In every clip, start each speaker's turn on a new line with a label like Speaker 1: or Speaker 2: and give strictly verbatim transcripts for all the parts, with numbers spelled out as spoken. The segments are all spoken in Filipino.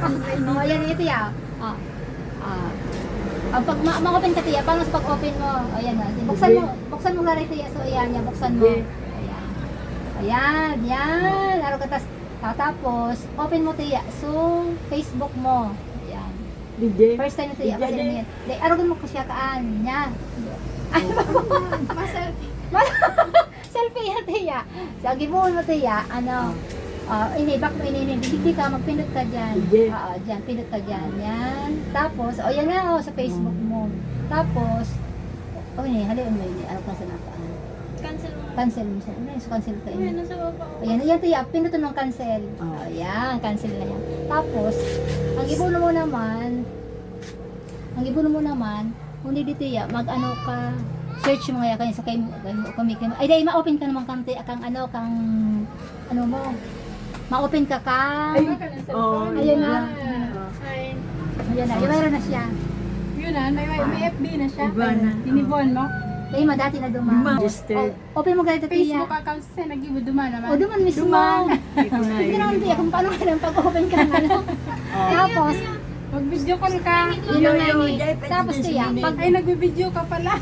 Speaker 1: Oh, ayan, ito ya. Ah. Ah. Ang pag ma- ma-open ka tiya, paano sa pag-open mo? Ayan na. Buksan mo, buksan mo nga rin tiya. So ayan, yan, buksan mo. Ayan. Ayan, yan. Araw ka tas, ah, tapos, open mo tiya. So, Facebook mo. Ayan.
Speaker 2: Dije.
Speaker 1: First time tiya kasi niyan. Dai araw mo ko siya kaan. Nya. Ay,
Speaker 3: Ma-selfie.
Speaker 1: selfie yan tiya. So, gibuon mo tiya, ano, Ah, ini back mo ini hindi ka magpindot ka diyan.
Speaker 2: Sige.
Speaker 1: Oo, diyan pindot ka diyan. Yan. Tapos, oh yan na oh sa Facebook mo. Tapos, oh ini hali mo ini ano ka sa nakaan.
Speaker 3: Cancel mo.
Speaker 1: Cancel mo siya. Ano yung cancel ka
Speaker 3: Ayan,
Speaker 1: ini?
Speaker 3: nasa baba.
Speaker 1: Ayan, ayan tiya, pindutin ng cancel.
Speaker 2: Oh.
Speaker 1: Oh, yan, cancel na yan. Tapos, ang ibuno mo naman, ang ibuno mo naman, hindi dito ya, mag-ano ka, search mo nga kanya sa kay kami kay ay dai ma-open ka naman kang kang ano kang ano mo. Ma-open ka kang
Speaker 2: Ay,
Speaker 3: Baka ng
Speaker 2: oh,
Speaker 3: cellphone.
Speaker 1: Ayun na.
Speaker 3: Ay.
Speaker 1: Ayan na, yung mayroon na siya.
Speaker 3: Yun na, may, may F B na siya.
Speaker 2: Iba na.
Speaker 3: Tinibon mo.
Speaker 1: Kaya ma dati na
Speaker 2: Duma.
Speaker 1: dumaan.
Speaker 2: Registered.
Speaker 1: O, open mo ganito tiya.
Speaker 3: Facebook account siya, nag-ibo duman naman.
Speaker 1: O duman mismo.
Speaker 2: Duman. Hindi ko na
Speaker 1: Hindi naman tiya kung paano ka lang pag-open ka ng ano.
Speaker 2: Oh.
Speaker 1: Tapos,
Speaker 3: Mag-video call ka.
Speaker 1: yun na nga
Speaker 2: Yo, yo,
Speaker 1: ni.
Speaker 2: dahil
Speaker 1: Tapos
Speaker 2: pwede
Speaker 1: tiya,
Speaker 2: din
Speaker 1: pag
Speaker 3: Ay, nag-video ka pala.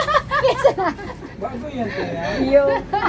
Speaker 4: Bago yan kaya.
Speaker 2: Yo.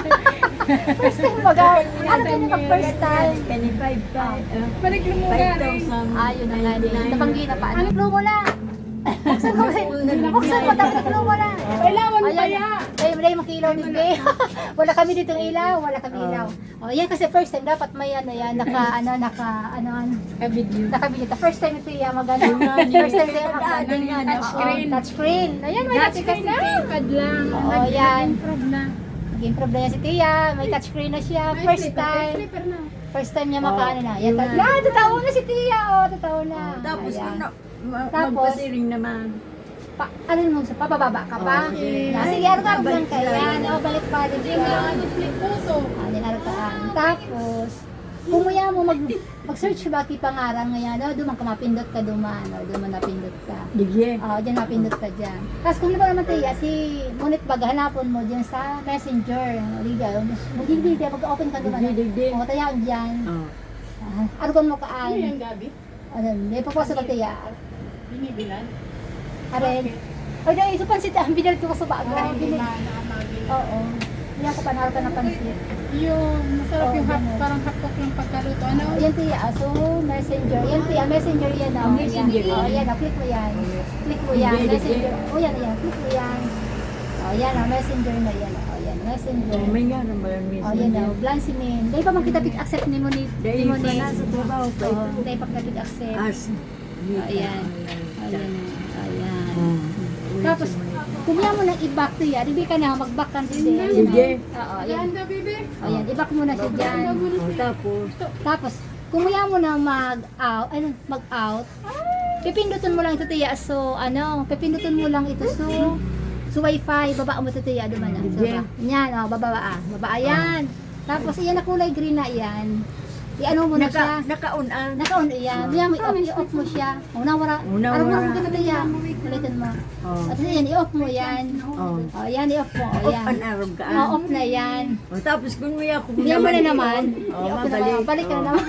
Speaker 1: first time mag ano ka na pag first time.
Speaker 2: Kani five five.
Speaker 3: Balik mo nga
Speaker 2: Five
Speaker 3: rin.
Speaker 2: thousand.
Speaker 1: Ayun na nga ni. Tabanggi na pa. Ano clue mo na? Buksan mo. Buksan mo tapos clue mo na.
Speaker 3: Kailangan pa
Speaker 1: Ayan.
Speaker 3: ya.
Speaker 1: Ay, wala yung makilaw din be. Wala kami ditong ilaw, wala kami ilaw. Oh, yan kasi first time dapat may ano yan, naka ano, naka ano ano.
Speaker 3: Ka-video.
Speaker 1: Nakabili ta. First time ito yan magano. First time ito yan magano.
Speaker 3: Touchscreen.
Speaker 1: Oh, touchscreen. Ayan, may
Speaker 3: Dati
Speaker 1: touchscreen
Speaker 3: kasi
Speaker 1: na.
Speaker 3: keypad lang.
Speaker 1: Oo,
Speaker 3: Nag-
Speaker 1: yan.
Speaker 3: Nag-improve na.
Speaker 1: Nag-improve na yan si Tia. May touchscreen na siya.
Speaker 3: May
Speaker 1: First
Speaker 3: slipper, may
Speaker 1: time.
Speaker 3: slipper na.
Speaker 1: First time niya
Speaker 2: Oh,
Speaker 1: makaano na. Yan,
Speaker 2: yun.
Speaker 1: yan, totoo na si Tia. Oh, totoo na.
Speaker 2: Tapos
Speaker 1: Ayan.
Speaker 2: ano, ma-
Speaker 1: Tapos,
Speaker 2: magpasiring naman.
Speaker 1: Pa, ano mo sa pababa ka pa?
Speaker 2: Oh, sige.
Speaker 1: Yeah, sige, araw ka lang
Speaker 2: Balik
Speaker 1: ka.
Speaker 2: sila.
Speaker 1: Yan, oh, balik pa rin
Speaker 3: Hindi
Speaker 1: siya.
Speaker 3: na flip photo.
Speaker 1: Ah, araw ka. Tapos, kung maya mo mag mag-search ba ki pangarang ngayon, oh, duman ka mapindot ka duman, oh, duman napindot ka.
Speaker 2: Dije.
Speaker 1: Oh, diyan mapindot ka diyan. Tapos kung naman naman tiya si ngunit bag hanapon mo diyan sa Messenger, liga, magiging dia mag-open ka duman.
Speaker 2: Dije, dije.
Speaker 1: Oh, tayo diyan.
Speaker 2: Oh.
Speaker 1: Ah, argon mo ka
Speaker 3: Ano
Speaker 1: ay.
Speaker 3: yan, Gabi?
Speaker 1: Ano, may paposa ka tiya.
Speaker 3: Binibilan?
Speaker 1: Aren. Ay, dahil isa pansit ang binal ko sa bago.
Speaker 3: Ay, hindi
Speaker 1: Binil-
Speaker 3: na nakamagin.
Speaker 1: Oo. Hindi ako panahal ka ng pansit.
Speaker 3: Yung masarap
Speaker 1: Oo,
Speaker 3: yung hap,
Speaker 1: ganun.
Speaker 3: parang hapok ng pagkaluto. Ano?
Speaker 1: Yan tiya, so messenger. Yan tiya, messenger yan. Oh.
Speaker 2: Messenger
Speaker 1: Yan. Oh,
Speaker 2: yan.
Speaker 1: yan, oh, click mo yan. Click mo yan,
Speaker 2: Hindi,
Speaker 1: messenger. Oh, yan, yan, click mo yan. Oh, yan, oh, messenger na yan. Oh, yan, messenger.
Speaker 2: Oh, may nga naman ang
Speaker 1: Oh, yan, oh, Blansimin. Dahil pa magkita pick-accept ni mo ni, ni
Speaker 2: Dahil
Speaker 1: mo
Speaker 2: pa
Speaker 1: ni.
Speaker 2: nasa trabaho pa
Speaker 1: Oo,
Speaker 2: ito.
Speaker 1: dahil pa pick-accept.
Speaker 2: As.
Speaker 1: Oh, ayan. Oh, yan, oh, ayan.
Speaker 2: Oh.
Speaker 1: Tapos, kumiya mo ng i-back to yan. Hindi ka na, mag-back ka din.
Speaker 2: Sige.
Speaker 1: Oo,
Speaker 3: Yan
Speaker 1: yan.
Speaker 3: na, baby.
Speaker 1: O yan, i-back mo na siya dyan.
Speaker 2: Oh, tapos,
Speaker 1: Tapos, kung maya mo na mag-out, ano, mag-out, pipindutin mo lang ito tiya. So, ano, pipindutin mo lang ito. So, so wifi, baba mo ito tiya. Duman na. So,
Speaker 2: Yeah.
Speaker 1: ba- yan, o, bababa ah. Baba, ayan. Tapos, iyan na kulay green na yan. I-ano mo na siya.
Speaker 2: naka, naka-on-an.
Speaker 1: Naka-on iyan. Maya mo i-off, i-off mo siya. Una, wala.
Speaker 2: Una,
Speaker 1: Araw mo
Speaker 2: wala.
Speaker 1: ka na tiya. Ulitin mo.
Speaker 2: Oh.
Speaker 1: At yan, i-off mo yan.
Speaker 2: Oh.
Speaker 1: O, yan, i-off mo. O,
Speaker 2: Off
Speaker 1: yan.
Speaker 2: an arab ka.
Speaker 1: O, off na yan.
Speaker 2: Oh, tapos kung may ako
Speaker 1: Hindi mo na naman.
Speaker 2: Oh,
Speaker 1: I-off na
Speaker 2: mabalik.
Speaker 1: naman. Balik ka na
Speaker 2: Oh,
Speaker 1: naman.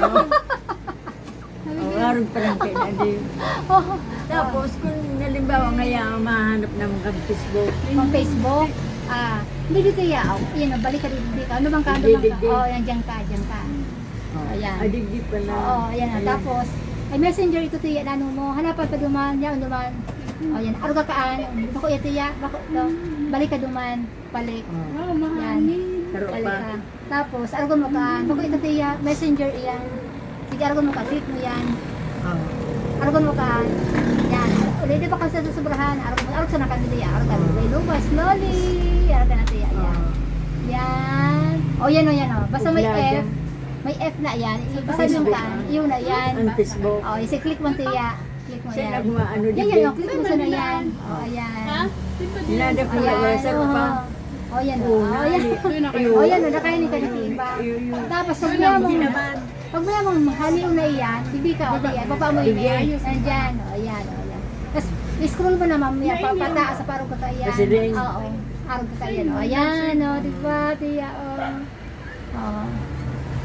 Speaker 2: Oh, oh arab pa lang kayo na din.
Speaker 1: Oh,
Speaker 2: Tapos kung halimbawa ngayon mahanap ng mga Facebook.
Speaker 1: Pang Facebook. Ah, hindi dito ya. Oh, yan, balik ka dito. dito. Ano bang ka? Ano bang
Speaker 2: Di, di,
Speaker 1: ka?
Speaker 2: di.
Speaker 1: Oh, yan, dyan ka, dyan ka.
Speaker 2: Oh,
Speaker 1: Ayan.
Speaker 2: Adigdi pala.
Speaker 1: Oo, ayan. ah. Tapos, ay messenger ito tiya na ano mo. Hanapan pa duman. Yan, duman. Oh, yan. Aruga kaan. Bako ya tiya. Bako, to. Balik ka duman. Balik.
Speaker 2: Oh.
Speaker 3: Wow, mahal.
Speaker 1: Yan.
Speaker 2: Karo
Speaker 1: Balik
Speaker 2: pa.
Speaker 1: ka. Tapos, aruga mo kaan. Bako ito tiya. Messenger iyan. Sige, aruga mo ka. Click mo yan.
Speaker 2: Oh.
Speaker 1: Arugan mo ka. Yan. Ulit di ba kasi sa sobrahan? Arugan mo. Arugan sa nakandili. Arugan mo. May lumas. Slowly. Arugan natin yan. Yan.
Speaker 2: Oh.
Speaker 1: Yan. O yan o yan o. Basta may
Speaker 2: Uglada.
Speaker 1: F. May F na yan. Basta yung
Speaker 2: Facebook.
Speaker 1: kaan. Yun na yan.
Speaker 2: Ang Facebook.
Speaker 1: O, isi click mo tiya. Click mo
Speaker 2: Siya
Speaker 1: yan.
Speaker 2: nagmaano
Speaker 1: Yan
Speaker 2: din.
Speaker 1: yan o. Click mo sa na yan. O, ayan.
Speaker 3: Ha?
Speaker 2: Hinadap ko
Speaker 1: Ayan.
Speaker 2: na sa ko pa.
Speaker 1: O, yan o.
Speaker 2: Una,
Speaker 1: O, yan.
Speaker 3: Doon na kayo.
Speaker 1: O, yan o. Nakainin ka na tiba. Tapos, pag mo
Speaker 2: Hindi naman.
Speaker 1: pag mo yung haliw na iyan, hindi ka, o yan, baba mo yun,
Speaker 2: Sige.
Speaker 1: nandyan, o yan, o yan. Tapos, scroll mo na mamaya, pa, pataas sa parang ka yan.
Speaker 2: Kasi rin.
Speaker 1: Oo, parang ka yan, o ayan, o, di ba, tiya, o. O.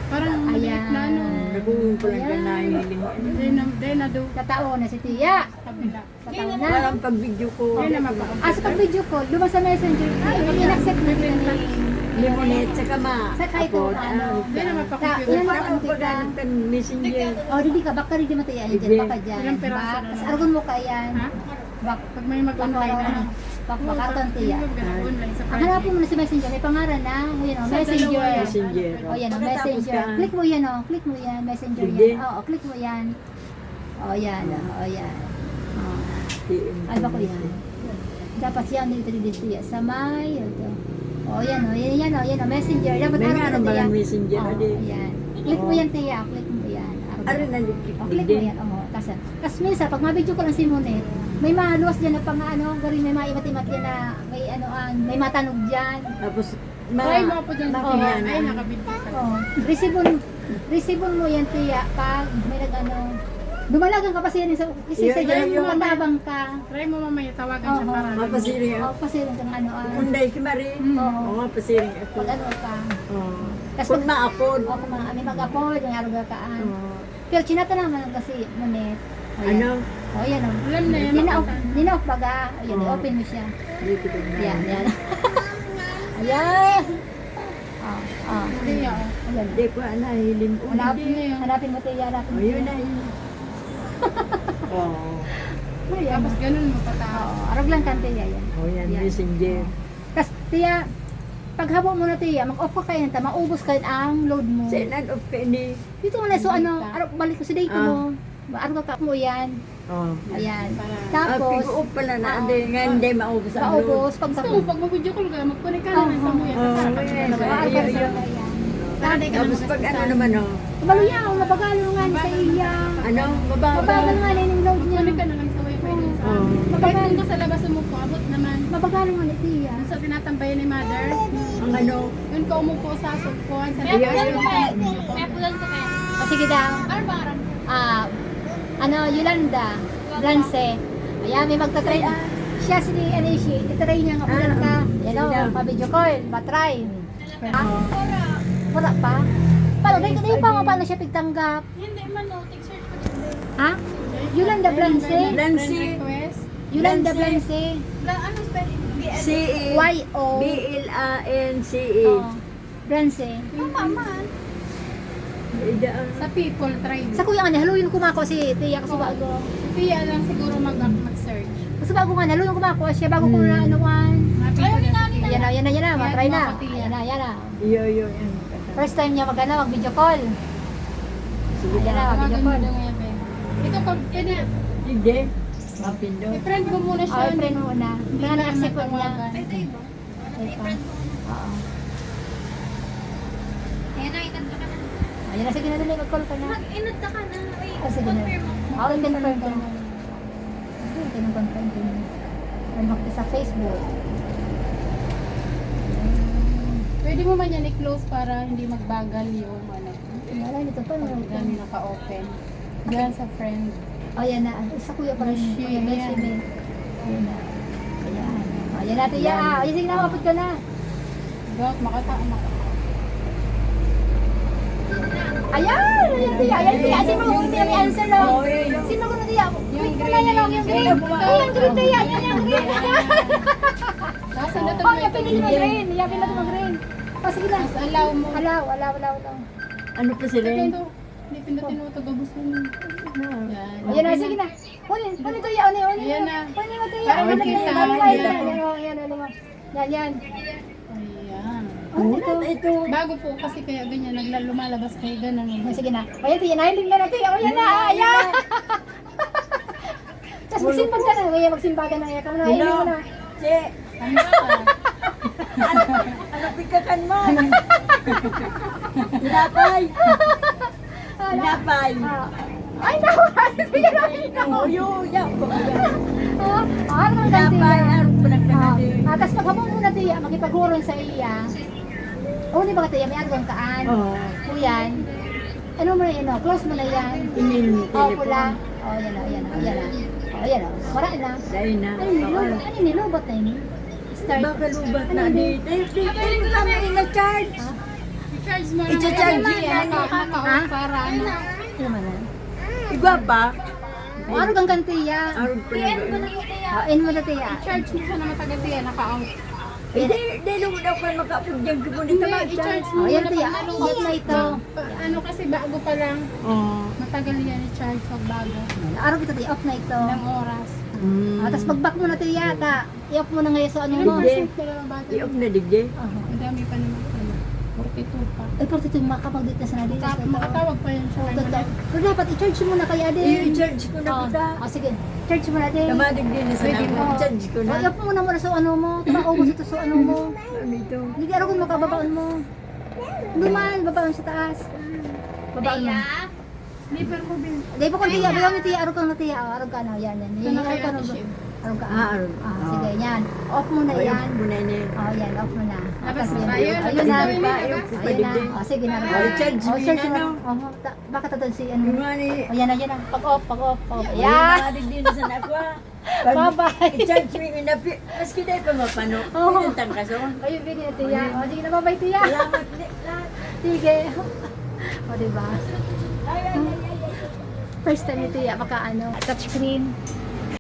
Speaker 3: Parang maliit na ano.
Speaker 2: Nagugumpulan ka na hiling.
Speaker 3: Hindi na, hindi na do.
Speaker 1: Katao na si Tiya.
Speaker 3: Kabila.
Speaker 1: Katao na.
Speaker 2: Parang pag video ko.
Speaker 3: Hindi na mapaka.
Speaker 1: Ah, sa pag-video call, lumang sa messenger, ay, in-accept na din ni
Speaker 2: Limonette sa kama.
Speaker 1: sa kahit
Speaker 2: Apod,
Speaker 1: kung ano.
Speaker 3: Hindi na
Speaker 1: Ta,
Speaker 3: mapaka-computer.
Speaker 1: yan
Speaker 2: Parang
Speaker 1: ang
Speaker 2: pag
Speaker 1: kita.
Speaker 2: ano ka messenger.
Speaker 1: Oh, hindi ka, baka rin di matayan dyan,
Speaker 2: Hindi.
Speaker 1: baka dyan.
Speaker 3: Ilang piraso
Speaker 1: Bak,
Speaker 3: na
Speaker 1: tas
Speaker 3: lang?
Speaker 1: argon mo ka yan.
Speaker 3: Ha?
Speaker 1: Bak,
Speaker 3: Pag may mag-online na.
Speaker 1: bak, bakaton Tiya.
Speaker 3: Online sa
Speaker 1: Ang hanapin mo na si messenger, may pangalan na, o yan o,
Speaker 3: Sa
Speaker 1: messenger.
Speaker 3: dalawa yan.
Speaker 2: Messenger.
Speaker 1: O yan o,
Speaker 2: Pagkatapos
Speaker 1: messenger.
Speaker 2: ka,
Speaker 1: Click mo yan o, click mo yan, messenger
Speaker 2: Hindi.
Speaker 1: yan. Oo, click mo yan. O yan o, o yan. O.
Speaker 2: T M.
Speaker 1: Ay, bako yan. Dapat yan dito dito Tiya. Sa may, ito. O yan o, yan yan o, yan o, messenger. Dapat
Speaker 2: May
Speaker 1: araw
Speaker 2: meron
Speaker 1: na
Speaker 2: ba
Speaker 1: Tiya.
Speaker 2: ng messenger,
Speaker 1: O,
Speaker 2: adi?
Speaker 1: yan. Click mo
Speaker 2: Oo.
Speaker 1: yan Tiya, click mo yan. Araw.
Speaker 2: Arin na
Speaker 1: O, click mo yan. O, kasi, kasi minsan, pag mabidyo ko lang si Monet, may maluwas dyan na pang ano, galing may maimat-imat yan na may ano, ah, may matanog dyan.
Speaker 2: Tapos, ma...
Speaker 3: Try mo po dyan.
Speaker 1: Oo.
Speaker 3: Ay, nakabidyo ka.
Speaker 1: Oh, resibon, resibon mo yan Tiya pag may nag-ano, dumalagan ka pa siya sa kasi
Speaker 2: Yun,
Speaker 1: sa
Speaker 2: yun,
Speaker 1: dyan
Speaker 2: yun.
Speaker 1: matabang ka.
Speaker 3: Try mo mamaya, tawagan siya
Speaker 1: Oo.
Speaker 3: para.
Speaker 2: Mapasiri
Speaker 1: Oh,
Speaker 2: ako.
Speaker 1: pasirin kang ano, ah,
Speaker 2: Kunday si Marie.
Speaker 3: Mm.
Speaker 1: Oo.
Speaker 2: Oo, mapasiring ako.
Speaker 1: pag ano ka.
Speaker 2: Oo.
Speaker 1: Tas
Speaker 2: Kung
Speaker 1: pag-
Speaker 2: maapod.
Speaker 1: O kung mga, may mag-afford, may aruga kaan.
Speaker 2: Oo.
Speaker 1: Pero chinata naman kasi, Monet. O, yan.
Speaker 2: Ano?
Speaker 1: O, yan o.
Speaker 3: Alam na yan.
Speaker 1: Nina-off,
Speaker 3: makita.
Speaker 1: nina-off baga. Ayan,
Speaker 2: Oo.
Speaker 1: open mo siya.
Speaker 2: Dito ko na.
Speaker 1: Yan, yan. Ayan. Ah, ah.
Speaker 3: Hindi ako.
Speaker 1: Ayan.
Speaker 2: Hindi ko na hilim.
Speaker 1: Hanapin,
Speaker 3: Hindi.
Speaker 1: hanapin mo Tiya, hanapin mo.
Speaker 2: O, yun na yun. Oo.
Speaker 1: Ayan.
Speaker 3: Tapos ganun mo pataas.
Speaker 1: Oo, arog lang kan Tiya yan.
Speaker 2: O, yan,
Speaker 1: Yan.
Speaker 2: messenger.
Speaker 1: Tapos, Tiya, paghabo mo na Tiya, mag-off ka kayo nanta, maubos kayo ang load mo.
Speaker 2: Sinan of ka ni.
Speaker 1: Dito mo na, so ano, araw, balik ko sa date
Speaker 2: Ah.
Speaker 1: mo. Araw ka mo yan.
Speaker 2: Oo.
Speaker 1: Ayan.
Speaker 3: Para.
Speaker 2: Ah,
Speaker 1: Tapos,
Speaker 2: pigo-up pala na.
Speaker 1: Oo.
Speaker 2: Hindi, nga hindi maubos ang load.
Speaker 1: maubos, pag
Speaker 3: Gusto mo, pag mag-video call ka, mag-connect ka naman sa muya.
Speaker 2: Oo,
Speaker 3: Para
Speaker 2: yes.
Speaker 3: ka
Speaker 1: Araw
Speaker 2: Ayun,
Speaker 1: ka
Speaker 2: ayun.
Speaker 1: sa kaya.
Speaker 3: Para di ka
Speaker 2: Tapos
Speaker 3: naman
Speaker 2: pag ano
Speaker 3: kasasahan.
Speaker 2: naman, oh.
Speaker 1: Kabalo yan, mabagalo nga ni sa iya.
Speaker 2: Ano? Mabagal.
Speaker 1: Mabagal nga ni yung load niya.
Speaker 3: Mag-connect ka na lang sa wifi dun sa...
Speaker 2: Oo.
Speaker 3: Kahit doon ka sa labas umupo, abot naman.
Speaker 1: Mabagalo nga ni Tiya.
Speaker 3: Doon sa tinatambayan ni mother,
Speaker 2: Ang ano?
Speaker 3: yun ka umupo sa sulpuan. Sa
Speaker 2: Ayun, ayun.
Speaker 1: O sige daw.
Speaker 3: Ano ba aram?
Speaker 1: Ah, ano, Yolanda, Blance. Ayan, may magtatry. Siya si, ano siya, itry niya nga ulan ka. Yan o,
Speaker 2: Sige daw.
Speaker 1: pa-video call, matry. Ha? Wala pa? Paano, dahil kayo pa nga paano siya pigtanggap?
Speaker 3: Hindi man, no. Take search ko dito.
Speaker 1: Ha? Yolanda Blance?
Speaker 2: Blance.
Speaker 3: Friend request.
Speaker 1: Yolanda
Speaker 2: Blance.
Speaker 1: Blance?
Speaker 3: La, ano spelling?
Speaker 2: C E.
Speaker 1: Y O
Speaker 2: B L A N C E.
Speaker 1: Oh, Blance.
Speaker 3: Tama man.
Speaker 2: Idaan.
Speaker 3: Sa people, try mo.
Speaker 1: Sa kuya nga niya, haluyin kumako si Tia kasi bago.
Speaker 3: Tiya lang siguro mag- mag-search.
Speaker 1: Kasi bago nga, haluyin kumako siya bago ko na anuan.
Speaker 3: Mga people na sa
Speaker 1: Yan na, yan na, yan na, matry na.
Speaker 3: Kaya
Speaker 1: Yan na, yan na.
Speaker 2: Iyo, iyo. yan.
Speaker 1: First time niya mag ano, mag video call.
Speaker 2: Sige
Speaker 1: Ayan na,
Speaker 2: na.
Speaker 1: video
Speaker 3: Tawagan mo
Speaker 1: call.
Speaker 3: lang yan, Ben. Ito, pag, pwede,
Speaker 2: Hindi. Mapindo.
Speaker 3: i-friend ko muna siya.
Speaker 1: Oh, friend mo na. Kaya na-accept ko niya.
Speaker 3: matawagan.
Speaker 1: Ito. Oo. Ayan na, sige na dali, mag-call ka na.
Speaker 3: Mag-inad ka na. Wait,
Speaker 1: Oh, sige na. Okay, confirm ko na. Okay, confirm ko na. Remark ka sa Facebook.
Speaker 3: Pwede mo man yan i-close para hindi magbagal yung ano.
Speaker 1: Wala, dito pa.
Speaker 3: Pag
Speaker 1: Wala.
Speaker 3: dami naka-open. Diyan sa friend.
Speaker 1: Oh, yan na. Sa kuya pa rin.
Speaker 3: Shit,
Speaker 1: Kuya, may
Speaker 3: yan.
Speaker 1: sinin. Ayan na. Ayan. Ayan natin yan. Ah, ayan, sige na, mapot ka na.
Speaker 3: Gawat, makata, makata.
Speaker 1: Ayan! Ayan, tiya. Ayan, tiya. Sino mo kung tiya may answer lang?
Speaker 2: Oh, yun, yun.
Speaker 1: Sino ko na tiya? Click mo na
Speaker 3: green,
Speaker 1: yan lang, yung green.
Speaker 2: yung
Speaker 1: Ay, yung green tiya. Yan, yung green.
Speaker 3: Nasa na
Speaker 1: Oh, yung pinili mo green. Yung pinili mo green. Oh, sige na.
Speaker 3: Mas allow mo.
Speaker 1: Alaw, alaw, alaw, alaw.
Speaker 2: Ano pa sila?
Speaker 3: Ito, hindi pindutin mo ito, gabos mo. Yan.
Speaker 1: Ayan na, sige na. Unin, unin tiya, unin, unin.
Speaker 3: Ayan na.
Speaker 1: Unin mo tiya.
Speaker 3: Para
Speaker 1: Unin mo
Speaker 3: makita.
Speaker 1: tiya. Bago kayo
Speaker 3: Ayan.
Speaker 1: na. Ayan, oh, ayan, unin mo. Yan, yan.
Speaker 3: Ayan.
Speaker 1: Oh, ito.
Speaker 2: Ito.
Speaker 3: Bago po kasi kaya ganyan, nagla- lumalabas kayo ganun.
Speaker 1: Oh, sige na. Ayan, tiya. Nahiling na natin. Oh, yan na. Ayan. Tapos magsimbag ka na. Ayan, magsimbag ka na. Ayan, kamo na. Ayan mo na.
Speaker 2: Che.
Speaker 3: Ano ka?
Speaker 2: Ano pikakan mo? Tinapay. Tinapay.
Speaker 1: Ah. Ay, naku. Sige na.
Speaker 2: Oh, yo, ya.
Speaker 1: Ah, ah, ano ang
Speaker 2: Tinapay.
Speaker 1: ganti?
Speaker 2: Ano pa
Speaker 1: Ah,
Speaker 2: nagkakali?
Speaker 1: ah, tapos paghabong mo na tiya, makipaghuron sa iya. Oh, di ba ka tiya, may argon kaan.
Speaker 2: Oo.
Speaker 1: Kuyan. Ano mo na yun, oh, close mo na yan.
Speaker 2: Email mo,
Speaker 1: Oh,
Speaker 2: telephone.
Speaker 1: pula. Oh, yan oh, yan oh, yan oh. Oh, yan oh. Wala na.
Speaker 2: Dahil na.
Speaker 1: Ano yun, lobot? Ano yun, lobot na yun? Start.
Speaker 2: Baka lubat
Speaker 1: Ano
Speaker 2: na
Speaker 1: yun?
Speaker 2: di. Dahil di. Dahil kami ina-charge.
Speaker 1: Ha?
Speaker 3: I-charge mo lang.
Speaker 2: I-charge
Speaker 3: Ano,
Speaker 2: yan.
Speaker 3: naka- naka-off
Speaker 1: Ha?
Speaker 3: para ano.
Speaker 1: Ano man yan?
Speaker 2: Igwa pa.
Speaker 1: O, ano kang kantiya?
Speaker 2: Arog pa na ba?
Speaker 1: O, in mo na tiya.
Speaker 3: I-charge mo siya na matagal tiya, naka-off.
Speaker 2: Hindi, hindi mo daw kayo makapag dyan ko
Speaker 3: Hindi,
Speaker 2: nito ba?
Speaker 3: i-charge
Speaker 1: O,
Speaker 3: mo
Speaker 1: yan
Speaker 3: muna
Speaker 1: tiya.
Speaker 3: pag nalungkot
Speaker 1: Off na ito.
Speaker 3: Pa- Ano kasi bago pa lang,
Speaker 2: Oo.
Speaker 3: matagal yan i-charge pag bago.
Speaker 1: Araw kita tiya, off na ito.
Speaker 3: Ilang oras.
Speaker 2: Mm.
Speaker 1: Ah, tapos pag-back mo na tiya, ta. I-off mo na ngayon sa ano
Speaker 3: Ilang
Speaker 1: mo.
Speaker 2: Hindi.
Speaker 3: percent na lang ang battery?
Speaker 2: I-off na digdi.
Speaker 1: Aha.
Speaker 3: Ang dami pa naman. Ano, forty-two pa.
Speaker 1: Ay, pero tito, makapag-date na sa nadi.
Speaker 3: Maka- Makatawag pa yan siya.
Speaker 1: Oo, totoo. Pero dapat i-charge mo na kaya din.
Speaker 2: I-charge ko na
Speaker 1: Oo.
Speaker 2: kita.
Speaker 1: O, sige. Charge mo na din.
Speaker 2: Kamadig din na sa
Speaker 3: Pwede
Speaker 2: namin.
Speaker 3: mo.
Speaker 2: I-charge ko
Speaker 1: O,
Speaker 2: na.
Speaker 1: i-off mo na muna sa ano mo. Tumaubos ito sa ano mo.
Speaker 2: Ano ito?
Speaker 1: Hindi araw kung makababaon mo. Hindi man, babaon sa taas. Babaon mo.
Speaker 3: Liver mo bin.
Speaker 1: Dahil po kung tiya, bayaw ni tiya, araw kang na tiya. Araw ka na, yan, yan.
Speaker 3: Ito
Speaker 1: Yan,
Speaker 3: na
Speaker 1: araw
Speaker 3: kaya
Speaker 1: ka na.
Speaker 3: ito siya.
Speaker 1: Araw ka.
Speaker 2: Ah, araw.
Speaker 1: Ah,
Speaker 2: Oo.
Speaker 1: sige, yan. Off mo na
Speaker 2: Ay,
Speaker 1: yan.
Speaker 2: muna niya.
Speaker 1: Oh, yan, off mo na.
Speaker 3: Tapos
Speaker 1: Tapos,
Speaker 3: ba yun?
Speaker 1: Ayun na.
Speaker 3: Ayun
Speaker 2: pa,
Speaker 3: na.
Speaker 2: i-off ko pa
Speaker 1: Ayun na.
Speaker 2: digdi.
Speaker 1: Oh, sige na.
Speaker 2: Oh, charge
Speaker 1: Oh,
Speaker 2: me
Speaker 1: charge
Speaker 2: na,
Speaker 1: mo.
Speaker 2: no?
Speaker 1: Oh, ta- baka tatod si ano.
Speaker 2: Yung nga ni...
Speaker 1: Oh, yan na, yan na. Pag-off, pag-off, pag-off.
Speaker 2: Ayan.
Speaker 1: Yan.
Speaker 2: Kamadig din na sa nakwa.
Speaker 1: Bye-bye.
Speaker 2: I-charge me yung napi. Maski dahil pa mapano.
Speaker 1: Oo.
Speaker 2: Pinantang ka so.
Speaker 1: Ayun, bigyan na tiya. Oh, sige na, bye-bye tiya.
Speaker 2: Salamat. ni- lahat.
Speaker 1: Sige. O, diba?
Speaker 2: Ay, ay, ay, ay, ay.
Speaker 1: First time ni tiya, baka ano, touchscreen.